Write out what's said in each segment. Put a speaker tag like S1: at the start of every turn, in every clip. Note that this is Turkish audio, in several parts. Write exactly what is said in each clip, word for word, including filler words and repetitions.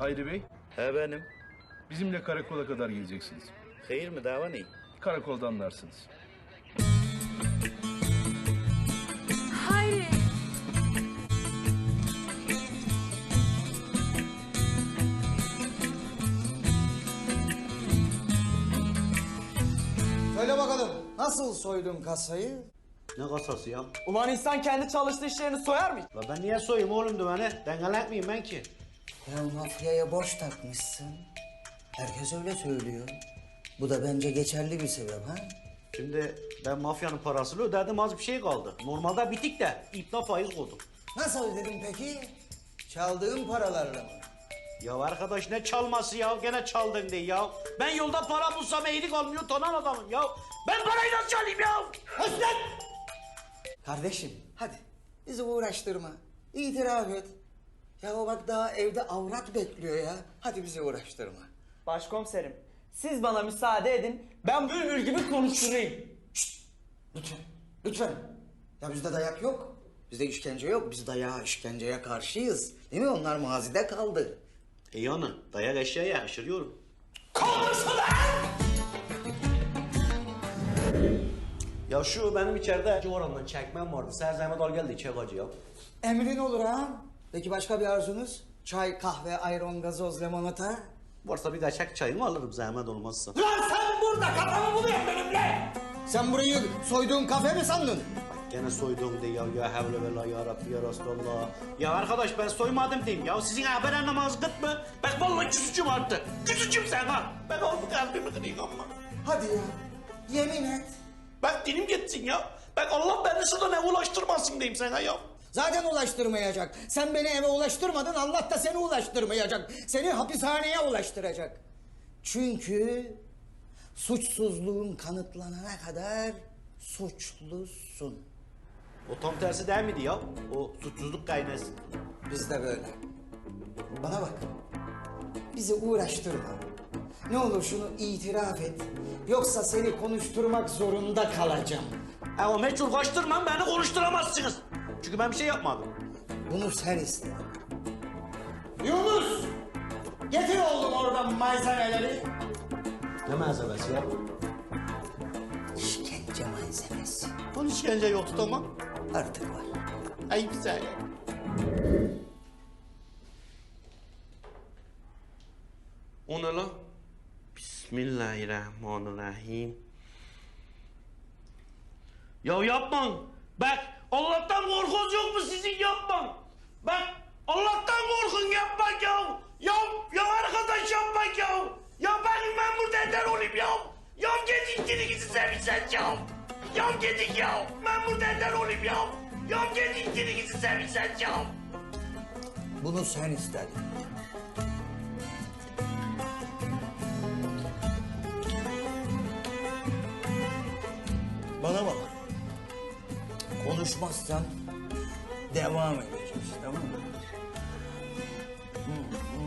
S1: Hayri Bey,
S2: He benim.
S1: bizimle karakola kadar geleceksiniz.
S2: Hayır mı dava ne?
S1: Karakolda anlarsınız.
S3: Hayri.
S4: Söyle bakalım, nasıl soydun kasayı?
S5: Ne kasası ya?
S6: Ulan insan kendi çalıştığı işlerini soyar mı?
S5: La ben niye soyayım oğlum dümeni? Dengelek miyim ben ki?
S4: Ya mafyaya borç takmışsın. Herkes öyle söylüyor. Bu da bence geçerli bir sebep ha?
S5: Şimdi ben mafyanın parasını ödedim, az bir şey kaldı. Normalde bitik de ipna faiz koydum.
S4: Nasıl ödedin peki? Çaldığın paralarla mı?
S5: Ya arkadaş ne çalması ya? Gene çaldın diye ya. Ben yolda para bulsam iyilik almıyor tanan adamım ya. Ben parayı nasıl çalayım ya?
S4: Özlem! Kardeşim hadi bizi uğraştırma. İtiraf et. Ya o bak daha evde avrat bekliyor ya. Hadi bizi uğraştırma.
S6: Başkomiserim, siz bana müsaade edin, ben bülbül gibi konuşturayım.
S4: Lütfen, lütfen. Ya bizde dayak yok. Bizde işkence yok. Biz dayağa, işkenceye karşıyız. Değil mi? Onlar mazide kaldı.
S5: E yani dayak eşyaya aşırıyorum. Ya şu benim içeride orandan çekmem vardı. Ser zahmet al geldi çek acı ya.
S4: Emrin olur ha. Peki başka bir arzunuz? Çay, kahve, ayran, gazoz, limonata?
S5: Varsa bir de çek çayımı alırım zahmet olmazsa.
S4: Lan sen burada kafamı buluyorsun benimle! Sen burayı soyduğun kafe mi sandın?
S5: Gene soydum diye ya, ya havle ve la ya Rabbi ya Resulallah. Ya arkadaş ben soymadım diyeyim ya. Sizin haber anlamaz gıt mı? Bak vallahi küsücüm arttı. Küsücüm sen ha. Ben oldu kalbimi kırayım ama.
S4: Hadi ya, yemin et.
S5: Bak dilim gitsin ya. Bak Allah beni şuradan eve ulaştırmasın diyeyim sana ya.
S4: Zaten ulaştırmayacak. Sen beni eve ulaştırmadın, Allah da seni ulaştırmayacak. Seni hapishaneye ulaştıracak. Çünkü suçsuzluğun kanıtlanana kadar suçlusun.
S5: O tam tersi değil miydi ya? O suçsuzluk kaynası.
S4: Biz de böyle. Bana bak. Bizi uğraştırma. Ne olur şunu itiraf et. Yoksa seni konuşturmak zorunda kalacağım.
S5: Ha o meçhul kaçtırmam beni konuşturamazsınız. Çünkü ben bir şey yapmadım.
S4: Bunu sen istedin. Yunus! Getir oğlum oradan malzemeleri.
S5: Ne malzemesi ya?
S4: İşkence malzemesi.
S5: Bunun işkence yoktu tamam.
S4: Artık var.
S5: Ay güzel ya. O ne lan? Bismillahirrahmanirrahim. Ya yapmayın. Bak Allah'tan korkunuz yok mu sizin yapmayın. Bak Allah'tan korkun yapmayın ya. Ya, ya arkadaş yapmayın ya. Ya benim ben burada eder olayım ya. Ya gidin gidin sevmişsen ya. Ya gidin ya. Ben burada eder olayım ya. Ya gidin gidin sevmişsen ya.
S4: Bunu sen istedin. Bana bak. Konuşmazsan devam edeceğiz, tamam mı? Hı, hı.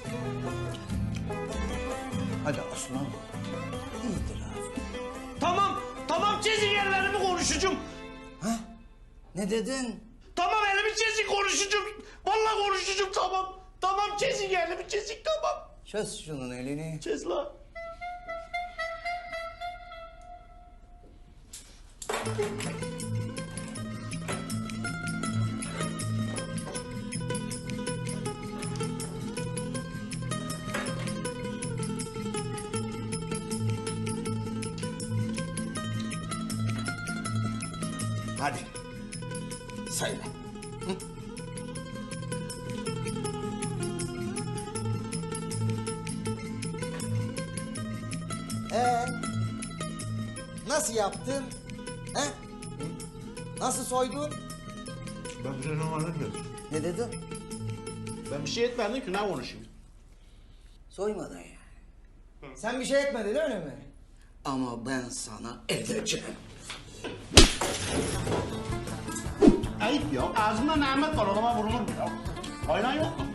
S4: Hadi aslan. İtiraf et.
S5: Tamam, tamam çizin yerlerimi konuşacağım.
S4: Ha? Ne dedin?
S5: Tamam elimi çizin konuşacağım. Vallahi konuşacağım tamam. Tamam çizin elimi çizin tamam.
S4: Çöz şunun elini.
S5: Çiz la.
S4: Hadi. Söyle. Hı? Ee, nasıl yaptın? He? Nasıl soydun?
S5: Ben bir şey anlamıyorum.
S4: Ne dedin?
S5: Ben bir şey etmedim ki ne konuşayım?
S4: Soymadın ya. Sen bir şey etmedin öyle mi? Ama ben sana edeceğim.
S5: Ayıp ya. Ağzımda Mehmet var, odama vurulur mu ya? Aynen yok mu?